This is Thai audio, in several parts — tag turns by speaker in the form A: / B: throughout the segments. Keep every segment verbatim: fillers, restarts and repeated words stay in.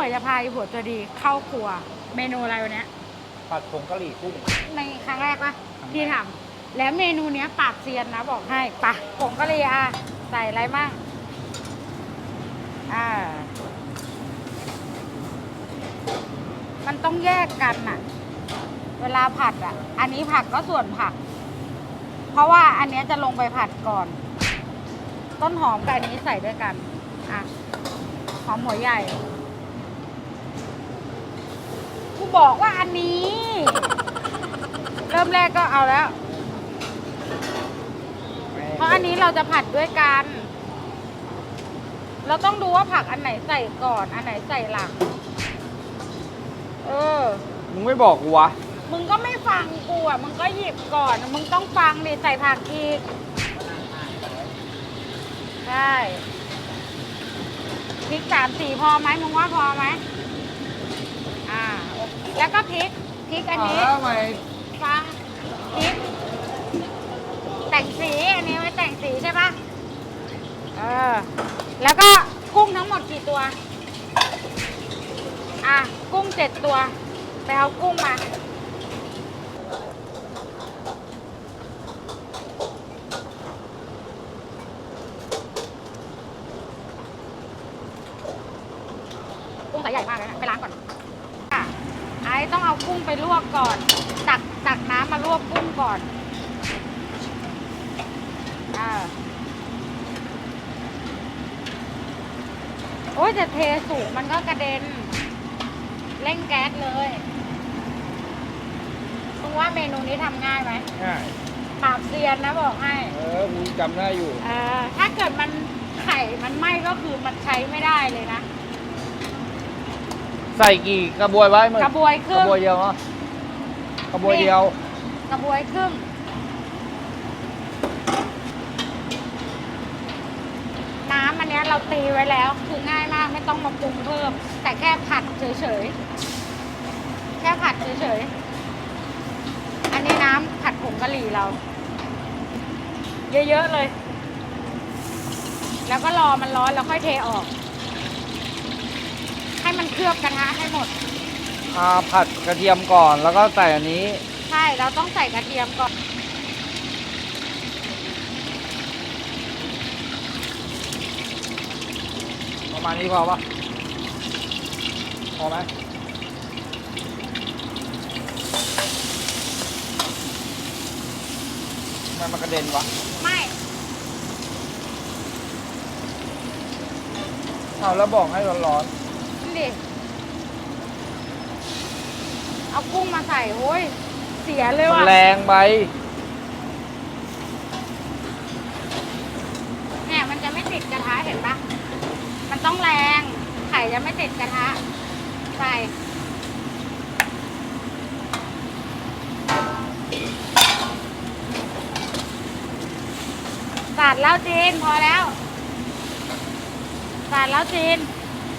A: วยจะพาอีผัวตัวดีเข้าครัวเมนูอะไรวันนี้
B: ผัดผงกะหรี่กุ้ง
A: ในครั้งแรกปะที่ทำแล้วเมนูเนี้ยปราบเซียนนะบอกให้ปะผงกะหรี่อ่ะใส่อะไรบ้างอ่ามันต้องแยกกันอะเวลาผัดอะอันนี้ผักก็ส่วนผักเพราะว่าอันนี้จะลงไปผัดก่อน ต้นหอมกับอันนี้ใส่ด้วยกันอ่ะหอมหัวใหญ่กูบอกว่าอันนี้ เริ่มแรกก็เอาแล้วเพราะอันนี้เราจะผัดด้วยกันเราต้องดูว่าผักอันไหนใส่ก่อนอันไหนใส่หลังเออ
B: มึงไม่บอกกูวะ
A: มึงก็ไม่ฟังกูอ่ะมึงก็หยิบก่อนมึงต้องฟังดิใส่ผักอีกใช่พริกสามสี่พอไหมมึงว่าพอไหมอ่าแล้วก็พริกพริกอันนี้
B: ทำไม
A: ฟังพริกแต่งสีอันนี้ไว้แต่งสีใช่ปะเออแล้วก็กุ้งทั้งหมดกี่ตัวอ่ะกุ้งเจ็ดตัวไปเอากุ้งมากุ้งสายใหญ่มากเลยนะไปล้างก่อนอ่ะไอ้ต้องเอากุ้งไปลวกก่อนตักตักน้ำมาลวกกุ้งก่อนอ่าโอ้ยแต่เทสูงมันก็กระเด็นเร่งแก๊สเลยคุณว่าเมนูนี้ทำง่ายไหม
B: ง่าย
A: ปราบเซียนนะบอกให้
B: เออกูจำได้อยู่
A: เออถ้าเกิดมันไข่มันไหม้ก็คือมันใช้ไม่ได้เลยนะ
B: ใส่กี่กระบวยไว้มึง
A: กระบวยครึ่ง
B: กระบวยเดียวเนาะกระบวยเดียว
A: กระบวยครึ่งน้ำอันนี้เราตีไว้แล้วคือง่ายมากไม่ต้องมาปรุงเพิ่มแต่แค่ผัดเฉยๆแค่ผัดเฉยๆอันนี้น้ำผัดผงกะหรี่เราเยอะๆเลยแล้วก็รอมันร้อนแล้วค่อยเทออกให้มันเคลือบกระทะให้หมด
B: อ่าผัดกระเทียมก่อนแล้วก็ใส่อันนี้
A: ใช่เราต้องใส่กระเทียมก่อน
B: ประมาณนี้พอปะพอไหมทำไมมันกระเด็นวะ
A: ไม่
B: เอาแล้วบอกให้ร้อน
A: ๆนี่ดิเอากุ้งมาใส่โอ้ยเสียเลยว่ะ
B: มันแรงไป
A: เนี่ยมันจะไม่ติดกระทะเห็นปะมันต้องแรงไข่จะไม่ติดกระทะใส่สาดแล้วจีนพอแล้วสาดแล้วจีน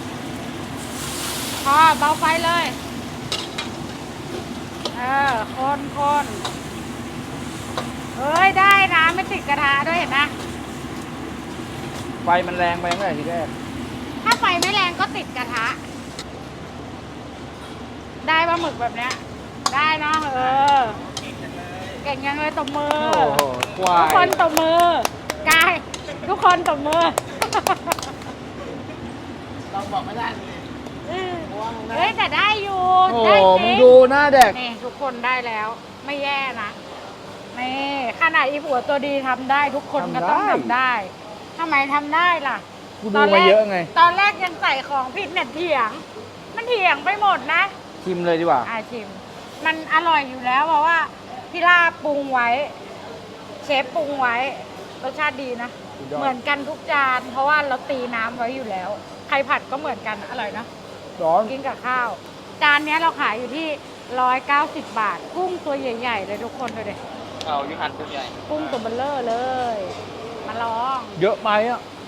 A: พอเบาไฟเลยเออคนคนเอ้ยได้นะไม่ติดกระทะด้วยเห็นไหม
B: ไฟมันแรงไปตั้งแต่ทีแรก
A: ถ้าไฟไม่แรงก็ติดกระทะได้ปลาหมึกแบบเนี้ยได้เนาะเออเก่งยังเลยตบมือทุกคนตบมือกายทุกคนตบมือ
B: เราบอกไม่ได้เลย
A: เฮ้ยแต่ได้อยู่
B: โอ้มึงดูหน้าแดก
A: นี่ทุกคนได้แล้วไม่แย่นะนี่ขนาดอีผัวตัวดีทำได้ทุกคนก็ต้องทำได้ทำไมทำได้ล่ะ
B: กูดูมาเยอะไง
A: ตอนแรกยังใส่ของผิดเนี่ยเถียงมันเถียงไปหมดนะ
B: ชิมเลยดีกว่า
A: อ่าชิมมันอร่อยอยู่แล้วเพราะว่าพี่ลาปรุงไว้เชฟปรุงไว้รสชาติดีนะเหมือนกันทุกจานเพราะว่าเราตีน้ำไว้อยู่แล้วใครผัดก็เหมือนกันอร่อยนะ
B: ร้อน
A: กินกับข้าวจานนี้เราขายอยู่ที่ร้อยเก้าสิบบาทกุ้งตัวใหญ่ๆเลยทุกคนดูดิ
B: เอาอยู่หันตัวใหญ่
A: กุ้งตัวเบลเลอร์เลยมาลอง
B: เยอะไหมอ่ะ